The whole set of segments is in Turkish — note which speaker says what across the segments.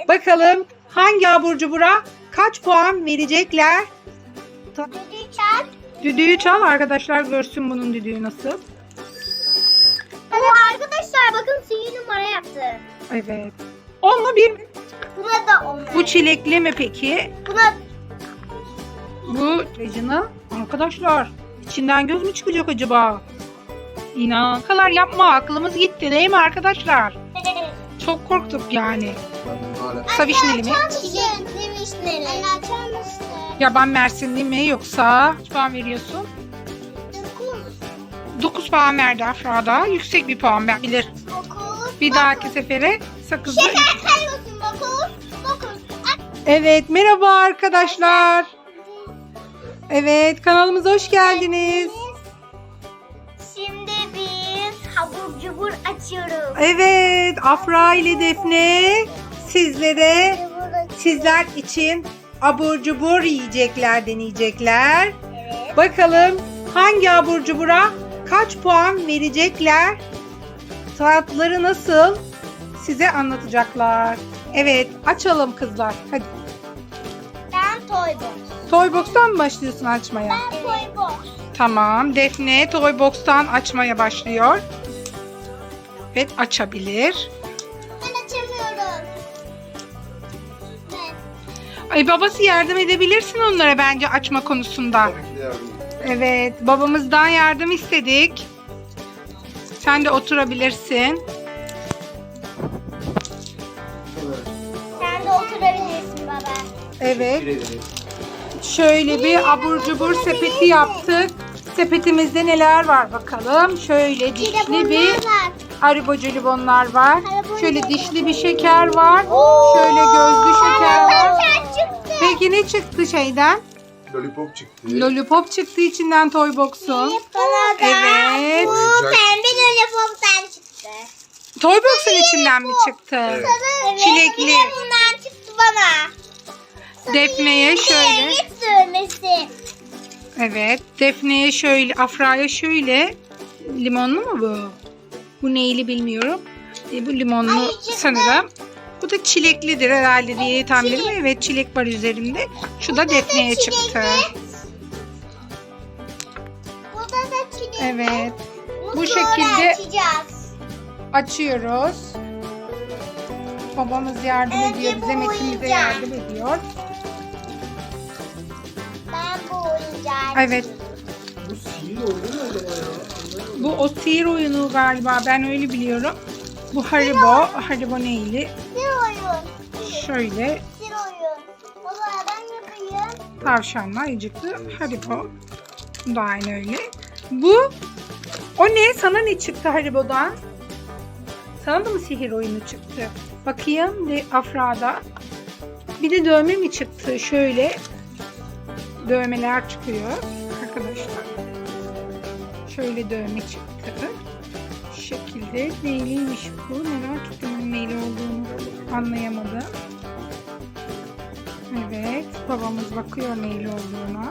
Speaker 1: Bakalım hangi abur cubura kaç puan verecekler?
Speaker 2: Düdüğü çal.
Speaker 1: Düdüğü çal, arkadaşlar görsün bunun düdüğü nasıl.
Speaker 2: Arkadaşlar bakın sihirli numara yaptı.
Speaker 1: Evet. 10 mu 1 mi?
Speaker 2: Buna da 10.
Speaker 1: Bu çilekli mi peki?
Speaker 2: Buna
Speaker 1: Bu Regina. Arkadaşlar içinden göz mü çıkacak acaba? İnan. Kadar yapma, aklımız gitti değil mi arkadaşlar? Çok korktuk yani. Kısa vişneli mi?
Speaker 2: Çilekli vişneli. Anne açar mısın?
Speaker 1: Yaban mersinli mi yoksa? Kaç puan veriyorsun? 9 puan verdi Afra'da. Yüksek bir puan verebilir.
Speaker 2: 9.
Speaker 1: Bir dahaki sefere sakızı.
Speaker 2: Şeker sayıyorsun 9.
Speaker 1: Evet, merhaba arkadaşlar. Evet, kanalımıza hoş geldiniz.
Speaker 2: Şimdi biz abur cubur açıyoruz.
Speaker 1: Evet, Afra ile Defne sizler için abur cubur yiyecekler, deneyecekler.
Speaker 2: Evet.
Speaker 1: Bakalım hangi abur cubura kaç puan verecekler? Tatları nasıl? Size anlatacaklar. Evet, açalım kızlar. Hadi.
Speaker 2: Ben Toybox.
Speaker 1: Toybox'tan mı başlıyorsun açmaya?
Speaker 2: Ben Toybox.
Speaker 1: Tamam. Defne Toybox'tan açmaya başlıyor. Evet, açabilir.
Speaker 2: Ben açamıyorum. Ben.
Speaker 1: Ay, babası yardım edebilirsin onlara bence açma konusunda.
Speaker 3: Tabii ki de yardım edin.
Speaker 1: Evet, babamızdan yardım istedik. Sen de oturabilirsin.
Speaker 2: Sen de oturabilirsin baba.
Speaker 1: Evet.
Speaker 3: Teşekkür ederim.
Speaker 1: Şöyle bir abur cubur sepeti yaptık. Sepetimizde neler var bakalım. Şöyle dişli bir Haribo jelibonlar var. Şöyle dişli bir şeker var. Şöyle gözlü şeker var.
Speaker 2: Çıktı.
Speaker 1: Peki ne çıktı şeyden?
Speaker 3: Lollipop çıktı.
Speaker 1: Lollipop çıktı içinden Toybox'un.
Speaker 2: Bana da
Speaker 1: Evet.
Speaker 2: bu pembe lollipop'tan çıktı.
Speaker 1: Toybox'un içinden mi çıktı?
Speaker 3: Evet.
Speaker 1: Çilekli.
Speaker 2: Bir de bundan çıktı bana.
Speaker 1: Defne'ye şöyle.
Speaker 2: Evet sürmesi.
Speaker 1: Evet. Defne'ye şöyle, Afra'ya şöyle. Limonlu mu bu? Bu neyli bilmiyorum. Bu limonlu
Speaker 2: Ay, çıktı.
Speaker 1: sanırım. Bu da çileklidir herhalde diye tahmin ediyorum. Evet, çilek var üzerinde. Şu da Defne'ye çıktı.
Speaker 2: Bu da çilekli.
Speaker 1: Evet. Bu
Speaker 2: Sonra
Speaker 1: şekilde
Speaker 2: açacağız.
Speaker 1: açıyoruz. Babamız yardım
Speaker 2: Önce
Speaker 1: ediyor
Speaker 2: bu
Speaker 1: bize, Metin bize
Speaker 2: oyuncak.
Speaker 1: yardım ediyor.
Speaker 2: Ben bu oyuncağı
Speaker 1: Evet.
Speaker 3: Bu sihir oyunu mu acaba ya? Anlamadım.
Speaker 1: Bu o sihir oyunu galiba, ben öyle biliyorum. Bu Haribo neyli?
Speaker 2: Bir oyun.
Speaker 1: Şöyle
Speaker 2: Bir oyun. Baba ben yapayım.
Speaker 1: tavşanlı ayıcıklı Haribo. Bu da aynı öyle. O ne? Sana ne çıktı Haribo'dan? Sana da mı sihir oyunu çıktı? Bakayım de Afra'da. Bir de dövme mi çıktı? Şöyle dövmeler çıkıyor arkadaşlar. Şöyle dövme çıktı. Şu şekilde neyliymiş bu? Merak ettim onun neyli olduğunu anlayamadım. Evet, babamız bakıyor neyli olduğuna.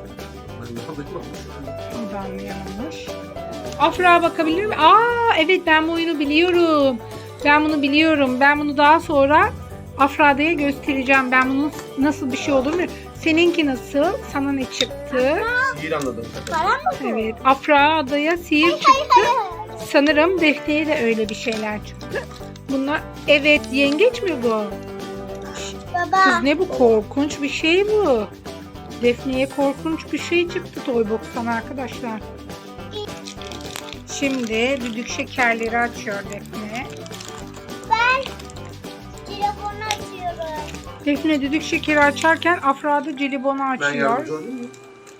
Speaker 1: O da anlayamamış. Afra bakabilir mi? Evet, ben bu oyunu biliyorum. Ben bunu biliyorum. Ben bunu daha sonra Afra'ya göstereceğim. Ben bunun nasıl bir şey olduğunu. Seninki nasıl? Sana ne çıktı?
Speaker 3: Sihir anladım.
Speaker 2: Para mı bu?
Speaker 1: Evet, Afra'ya sihir çıktı. Sanırım Defne'ye de öyle bir şeyler çıktı. Bunlar, evet, yengeç mi bu?
Speaker 2: Baba.
Speaker 1: Kız ne bu, korkunç bir şey bu. Defne'ye korkunç bir şey çıktı Toybox'tan arkadaşlar. Şimdi düdük şekerleri açıyor Defne.
Speaker 2: Ben telefonu açıyorum.
Speaker 1: Defne düdük şekeri açarken Afra da jelibonu
Speaker 3: Ben
Speaker 1: açıyor.
Speaker 3: yardımcı olayım mı?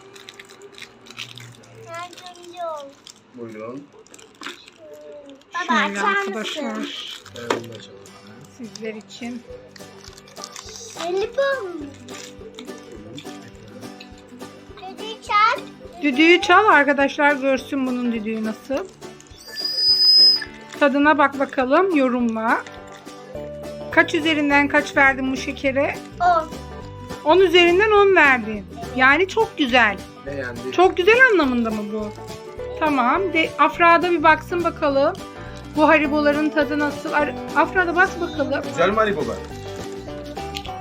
Speaker 2: Yardımcı ol.
Speaker 3: Buyurun.
Speaker 2: Baba
Speaker 1: Şöyle
Speaker 2: açar
Speaker 1: arkadaşlar
Speaker 2: mısın?
Speaker 3: Ben bunu açalım.
Speaker 1: sizler için.
Speaker 2: Telefon. Düdüğü çal.
Speaker 1: Düdüğü çal, arkadaşlar görsün bunun düdüğü nasıl. Tadına bak bakalım, yorumla. Kaç üzerinden kaç verdin bu şekere?
Speaker 2: 10.
Speaker 1: 10 üzerinden 10 verdin. Yani çok güzel.
Speaker 3: Beğendi.
Speaker 1: Çok güzel anlamında mı bu? Tamam. Afra'da bir baksın bakalım. Bu hariboların tadı nasıl? Afra'da bak bakalım.
Speaker 3: Güzel mi Haribo ben?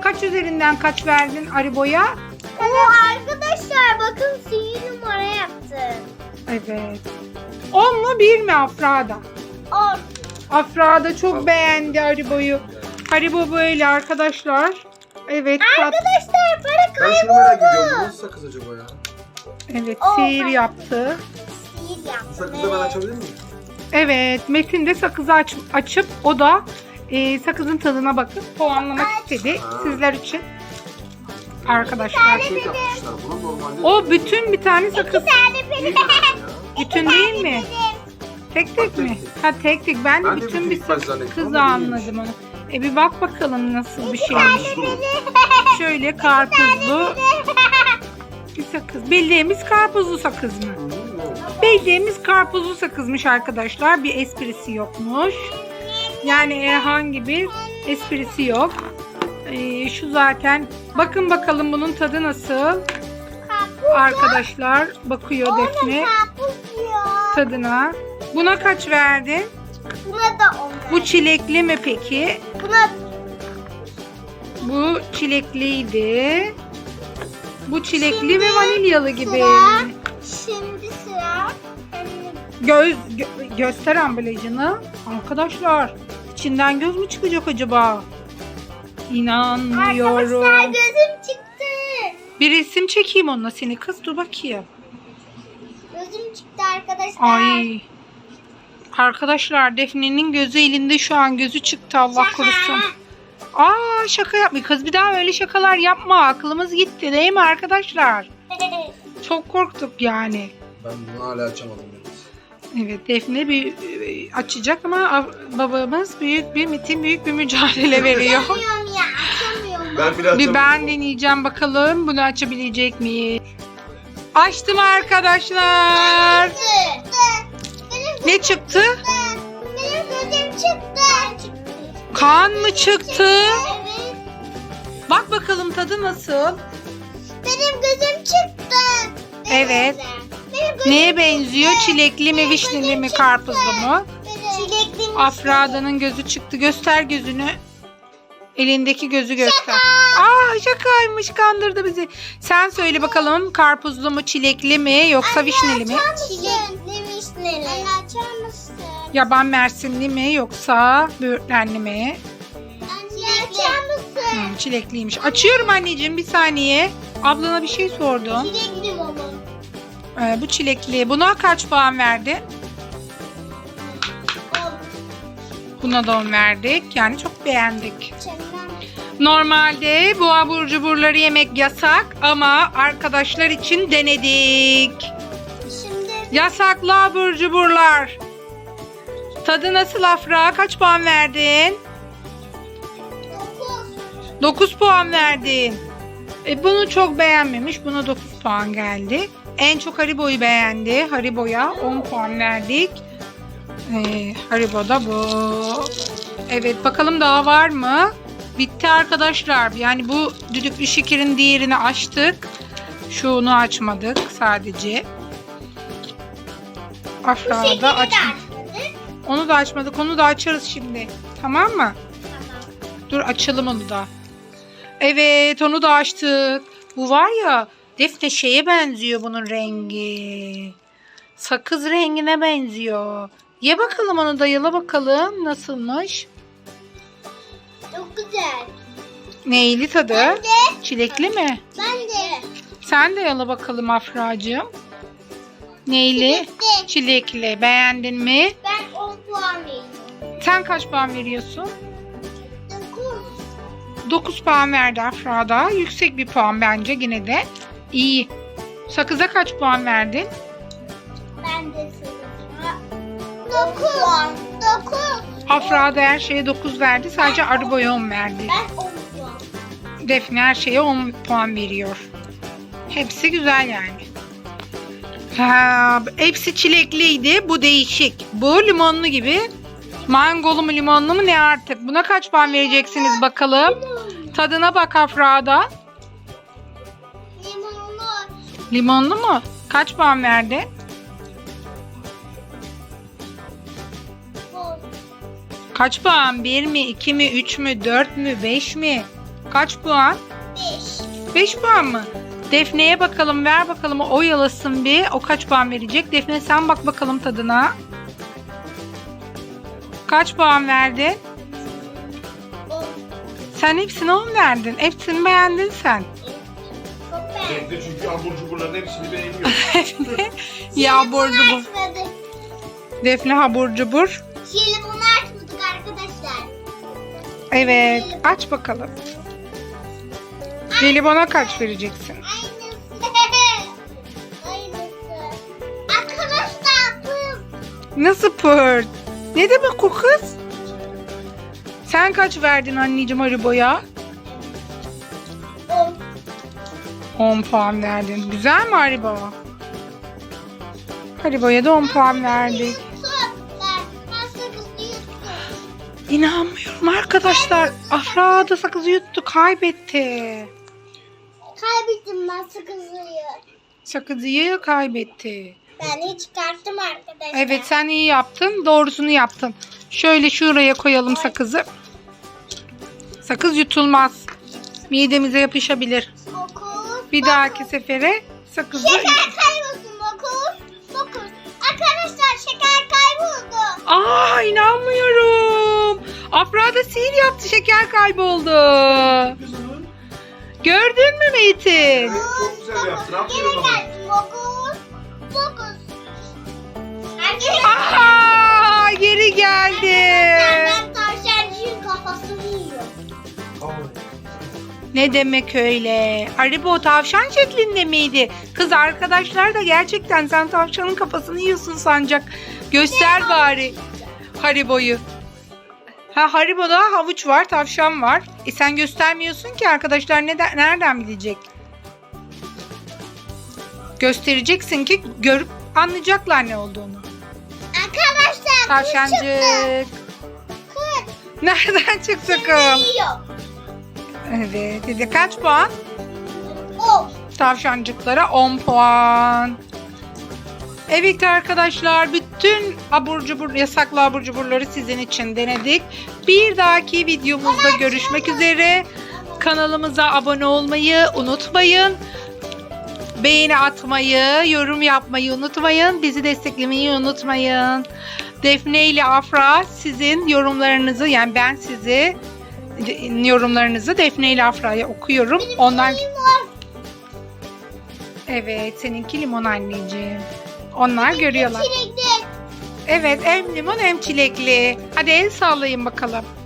Speaker 1: Kaç üzerinden kaç verdin Haribo'ya?
Speaker 2: Arkadaşlar bakın sihir numara yaptı.
Speaker 1: Evet. 10 mu 1 mi Afra'da?
Speaker 2: 10.
Speaker 1: Afra da çok beğendi Haribo'yu. Haribo böyle arkadaşlar. Evet.
Speaker 2: Arkadaşlar para
Speaker 3: Ben şunu merak ediyorum. Bu
Speaker 2: kayboldu.
Speaker 3: nasıl sakız acaba ya?
Speaker 1: Evet
Speaker 2: Oh,
Speaker 1: sihir
Speaker 2: ben-
Speaker 1: yaptı.
Speaker 2: Sihir
Speaker 3: Bu
Speaker 2: yaptı.
Speaker 3: sakızı ben açabilir miyim?
Speaker 1: Evet Metin de sakızı açıp o da sakızın tadına bakıp puanlamak istedi sizler için. Arkadaşlar.
Speaker 3: Şey yapmışlar bunu normalde.
Speaker 1: O bütün bir tane sakız.
Speaker 3: Değil herhalde ya.
Speaker 1: Bütün değil mi? Tek tek mi? Ha tek tek. Ben de
Speaker 3: Ben de
Speaker 1: bütün
Speaker 3: bütün
Speaker 1: bir
Speaker 3: ilk baş zannettim
Speaker 1: sakızı
Speaker 3: ama değilmiş.
Speaker 1: anladım onu. Bir bak bakalım nasıl bir şeymiş. Şöyle karpuzlu bir sakız. Bildiğimiz karpuzlu sakız mı? Bildiğimiz karpuzlu sakızmış arkadaşlar. Bir esprisi yokmuş. Yani herhangi bir esprisi yok. Şu zaten. Bakın bakalım bunun tadı nasıl? Arkadaşlar bakıyor Defne
Speaker 2: Karpuz diyor.
Speaker 1: tadına. Buna kaç verdin?
Speaker 2: Buna da 10.
Speaker 1: Bu çilekli mi peki?
Speaker 2: Buna
Speaker 1: Bu çilekliydi. Bu çilekli ve vanilyalı gibi.
Speaker 2: sıra. Şimdi sıra.
Speaker 1: Göster ambalajını. Arkadaşlar içinden göz mü çıkacak acaba?
Speaker 2: Arkadaşlar
Speaker 1: İnanmıyorum.
Speaker 2: gözüm çıktı.
Speaker 1: Bir resim çekeyim onunla seni kız dur bakayım.
Speaker 2: Gözüm çıktı arkadaşlar.
Speaker 1: Ay. Arkadaşlar Defne'nin gözü elinde şu an gözü çıktı Allah korusun. Aa şaka yapma kız bir daha öyle şakalar yapma aklımız gitti değil mi arkadaşlar? Çok korktuk yani.
Speaker 3: Ben bunu hala açamadım.
Speaker 1: Evet Defne bir açacak ama babamız büyük bir mücadele veriyor.
Speaker 2: Açamıyorum ya açamıyorum.
Speaker 3: Ben bile
Speaker 1: Bir
Speaker 3: açamadım.
Speaker 1: ben deneyeceğim bakalım bunu açabilecek miyiz? Açtım arkadaşlar. Ne çıktı?
Speaker 2: Benim gözüm çıktı.
Speaker 1: Kan mı çıktı?
Speaker 2: Evet.
Speaker 1: Bak bakalım tadı nasıl?
Speaker 2: Benim gözüm çıktı.
Speaker 1: Evet.
Speaker 2: Benim gözüm
Speaker 1: Neye benziyor? Çilekli mi, vişneli mi, karpuzlu mu?
Speaker 2: Çilekli mi?
Speaker 1: Afra'danın gözü çıktı. Göster gözünü. Elindeki gözü göster. Aa şakaymış kandırdı bizi. Sen söyle bakalım karpuzlu mu, çilekli mi yoksa vişneli mi?
Speaker 2: Çilekli vişneli. Anne açar mısın?
Speaker 1: Yaban mersinli mi yoksa böğürtlenli mi?
Speaker 2: Anne açar mısın?
Speaker 1: Çilekliymiş. Açıyorum anneciğim bir saniye. Ablana bir şey sordum.
Speaker 2: Çilekli baba.
Speaker 1: Bu çilekli. Buna kaç puan verdin? Buna da 10 verdik. Yani çok beğendik. Normalde bu abur cuburları yemek yasak ama arkadaşlar için denedik.
Speaker 2: Şimdi
Speaker 1: Yasaklı abur cuburlar. Tadı nasıl Afra? Kaç puan verdin?
Speaker 2: 9.
Speaker 1: 9 puan verdin. Bunu çok beğenmemiş. Buna 9 puan geldi. En çok Haribo'yu beğendi. Haribo'ya 10 puan verdik. Haribo'da bu. Evet bakalım daha var mı? Bitti arkadaşlar. Yani bu düdüklü şekerin diğerini açtık. Şunu açmadık sadece. Afra da açmadık. Onu da açmadık. Onu da açarız şimdi. Tamam mı? Dur açalım onu da. Evet onu da açtık. Bu var ya Defne şeye benziyor bunun rengi. Sakız rengine benziyor. Ye bakalım onu da yala bakalım nasılmış.
Speaker 2: Çok güzel.
Speaker 1: Neyli tadı?
Speaker 2: Ben de.
Speaker 1: Çilekli mi?
Speaker 2: Ben de.
Speaker 1: Sen de yala bakalım Afracığım. Neyli?
Speaker 2: Çilekli.
Speaker 1: Çilekli. Beğendin mi?
Speaker 2: Ben 10 puan veriyorum.
Speaker 1: Sen kaç puan veriyorsun?
Speaker 2: 9.
Speaker 1: 9 puan verdi Afra'da. Yüksek bir puan bence yine de. İyi. Sakıza kaç puan verdin?
Speaker 2: Ben de sana 9. 9.
Speaker 1: Afra da her şeye 9 verdi. Sadece Haribo'ya 10 verdi.
Speaker 2: Ben 10 puan.
Speaker 1: Defne her şeye 10 puan veriyor. Hepsi güzel yani. Hepsi çilekliydi. Bu değişik. Bu limonlu gibi. Mangolu mu limonlu mu ne artık? Buna kaç puan vereceksiniz bakalım. Tadına bak Afra'da.
Speaker 2: Limonlu.
Speaker 1: Limonlu mu? Kaç puan verdi? Kaç puan? 1 mi, 2 mi, 3 mü, 4 mü, 5 mi? Kaç puan?
Speaker 2: 5.
Speaker 1: 5 puan mı? Defne'ye bakalım, ver bakalım, o oyalasın bir. O kaç puan verecek? Defne sen bak bakalım tadına. Kaç puan verdin?
Speaker 2: 10.
Speaker 1: Sen hepsine 10 verdin. Hepsini beğendin sen.
Speaker 2: Çok beğendim.
Speaker 3: Defne çünkü abur cuburların hepsini beğeniyor.
Speaker 1: Defne ya abur cubur.
Speaker 2: Açmadık.
Speaker 1: Defne abur cubur.
Speaker 2: Jelibonu açmadık arkadaşlar.
Speaker 1: Evet, aç bakalım. Jelibona kaç vereceksin?
Speaker 2: Aynısı. Aynısı. Arkadaşlar bu.
Speaker 1: Nasıl pırt? Ne demek o kız? Sen kaç verdin anneciğim Haribo'ya?
Speaker 2: 10.
Speaker 1: 10 puan verdin. Güzel mi Haribo? Haribo'ya da 10 puan verdik.
Speaker 2: Ben sakızı yuttum.
Speaker 1: İnanmıyorum arkadaşlar. Afra da sakızı yuttu, kaybetti.
Speaker 2: Kaybettim ben sakızı.
Speaker 1: Sakızıyı kaybetti.
Speaker 2: Ben çıkarttım arkadaşlar.
Speaker 1: Evet, sen iyi yaptın. Doğrusunu yaptın. Şöyle şuraya koyalım sakızı. Sakız yutulmaz. Midemize yapışabilir.
Speaker 2: 9.
Speaker 1: Bir dahaki sefere sakızı...
Speaker 2: Şeker kaybolsun 9. Arkadaşlar şeker kayboldu.
Speaker 1: Aa, inanmıyorum. Afra da sihir yaptı, şeker kayboldu.
Speaker 3: Kızım.
Speaker 1: Gördün mü Metin?
Speaker 3: Evet, çok güzel yaptın. Aferin
Speaker 2: Geri
Speaker 3: baba.
Speaker 2: gelsin 9.
Speaker 1: Aa, geri geldi.
Speaker 2: Ben tavşancığın kafasını yiyorum.
Speaker 3: Al.
Speaker 1: Ne demek öyle? Haribo tavşan şeklinde miydi? Kız arkadaşlar da gerçekten sen tavşanın kafasını yiyorsun sancak. Göster bari Haribo'yu. Ha, Haribo'da havuç var, tavşan var. Sen göstermiyorsun ki, arkadaşlar nereden bilecek? Göstereceksin ki görüp anlayacaklar ne olduğunu.
Speaker 2: Arkadaşlar
Speaker 1: Tavşancık.
Speaker 2: kız
Speaker 1: Nereden çıktı kız?
Speaker 2: yiyor.
Speaker 1: Evet. Bize kaç puan?
Speaker 2: 10.
Speaker 1: Tavşancıklara 10 puan. Evet arkadaşlar, bütün abur cubur, yasaklı abur cuburları sizin için denedik. Bir dahaki videomuzda görüşmek üzere. Kanalımıza abone olmayı unutmayın. Beğeni atmayı, yorum yapmayı unutmayın. Bizi desteklemeyi unutmayın. Defne ile Afra sizin yorumlarınızı, yani ben sizi yorumlarınızı Defne ile Afra'ya okuyorum. Onlar... Evet, seninki limon anneciğim. Onlar görüyorlar.
Speaker 2: Çilekli.
Speaker 1: Evet, hem limon hem çilekli. Hadi el sallayın bakalım.